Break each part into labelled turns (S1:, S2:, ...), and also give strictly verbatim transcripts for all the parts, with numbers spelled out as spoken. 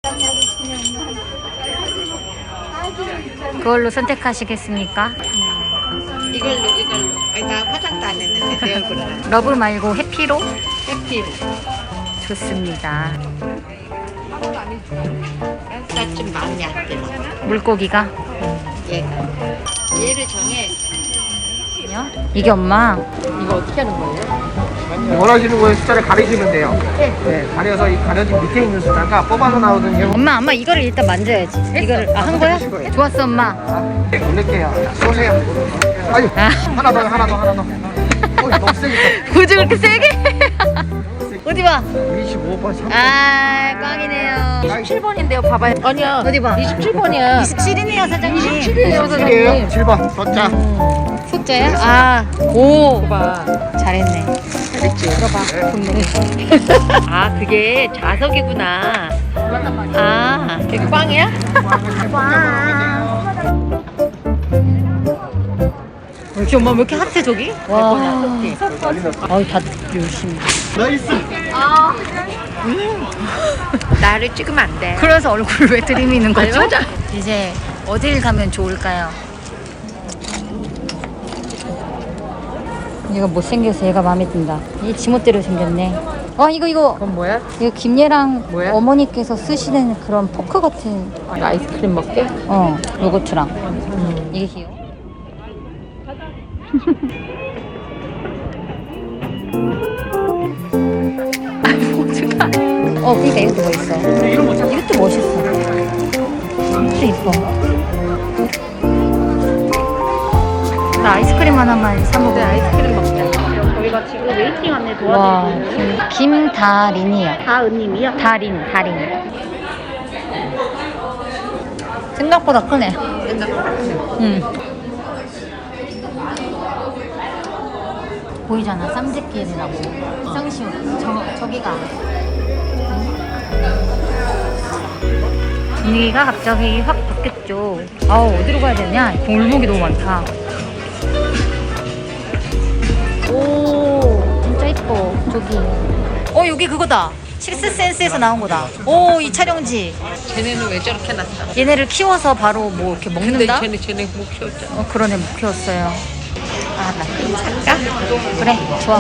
S1: 그걸로 선택하시겠습니까?
S2: 이걸로 이걸로. 아니 나 화장도 안 했는데 내 얼굴은.
S1: 러브 말고 해피로?
S2: 해피로.
S1: 좋습니다.
S2: 나 좀 마음이 안 들어.
S1: 물고기가?
S2: 얘가. 얘를 정해.
S1: 이게 엄마.
S2: 이거 어떻게 하는 거예요?
S3: 원하시는 거에 숫자를 가리시면 돼요. 네, 가려서 이 가려진 밑에 있는 숫자가 뽑아서 나오거든요.
S1: 엄마, 엄마 이거를 일단 만져야지. 이거를 아, 한 거야? 좋았어, 엄마.
S3: 네, 올릴게요. 쏘세요. 아유,
S1: 아.
S3: 하나 더, 하나 더, 하나 더. 어, 너무 세겠다.
S1: 굳이 그렇게 세게? 어디 봐.
S3: 이십오 번, 삼 번.
S1: 아, 꽝이네요.
S2: 이십칠 번인데요. 봐봐요. 아니야.
S1: 어디 봐.
S2: 이십칠 번이야.
S1: 이십칠이네요, 사장님.
S2: 이십칠이에요,
S3: 칠이에요. 칠 번, 숫자.
S1: 숫자야? 아, 오.
S2: 봐.
S1: 잘했네.
S2: 잘했지.
S1: 들어봐.
S2: 아 그게 자석이구나. 아 여기 꽝이야?
S1: 역시 엄마 왜 이렇게 핫해 저기? 와. 아유 다 열심히.
S3: 나이스.
S2: 나를 찍으면 안 돼.
S1: 그래서 얼굴을 왜 들이미는 거죠?
S2: 맞아.
S1: 이제 어딜 가면 좋을까요? 얘가 못생겨서 얘가 마음에 든다. 이 지멋대로 생겼네. 어 이거 이거
S2: 그건 뭐야?
S1: 이거 김예랑
S2: 뭐야?
S1: 어머니께서 쓰시는 그런 포크 같은
S2: 아, 아이스크림 먹게?
S1: 어 요거트랑
S2: 음.
S1: 이게 귀여워. 어 그러니까 이것도 멋있어. 이것도 멋있어. 이것도 이뻐. 나 아이스크림 하나만 사 먹을래.
S2: 아이스크림 먹자. 저희가 지금 웨이팅 안내
S1: 와,
S2: 도와드리고
S1: 김, 김다린이야.
S2: 다은님이요?
S1: 다린, 다린. 생각보다 크네.
S2: 생각보다
S1: 응. 보이잖아, 쌈새끼리라고. 성시오, 저, 저기가. 분위기가 갑자기 확 바뀌었죠. 아우, 어디로 가야 되냐? 골목이 너무 많다. 오, 진짜 이뻐. 저기. 어, 여기 그거다. 식스센스에서 나온 거다. 오, 이 촬영지.
S2: 쟤네는 왜 저렇게 놨어?
S1: 얘네를 키워서 바로 뭐 이렇게
S2: 근데
S1: 먹는다?
S2: 쟤네 쟤네 못 키웠잖아.
S1: 어, 그러네, 못 키웠어요. 아, 나 그럼 살까? 그래, 좋아.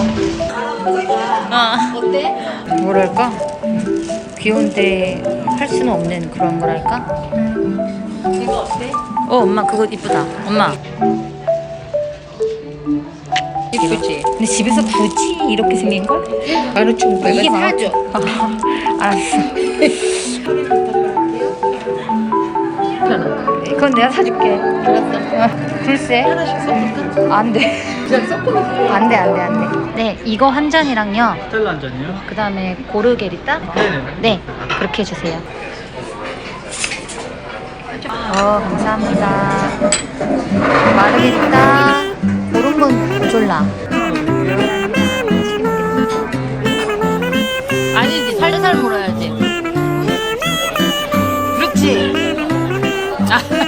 S1: 어. 어때? 뭐랄까? 귀여운데 할 수는 없는 그런 거랄까?
S2: 이거 어때?
S1: 어, 엄마 그거 이쁘다. 엄마.
S2: 이쁘지?
S1: 근데 집에서 굳이 이렇게 생긴 걸?
S2: 만 오천 오백 원
S1: 이게
S2: 사줘.
S1: 알았어.
S2: 괜찮아.
S1: 그건 내가 사줄게.
S2: 알았어.
S1: 어, 글쎄.
S2: 하나씩 섞을까?
S1: 안 돼.
S2: 그냥 섞으면
S1: 안 돼, 안 돼, 안 돼. 네, 이거 한 잔이랑요.
S3: 스텔라 한 잔이요?
S1: 그 다음에 고르게리따?
S3: 네네.
S1: 네, 그렇게 해주세요. 어, 감사합니다. 마르게리따, 고른 모졸라. 아니지, 살살살 물어야지. 그렇지. 아.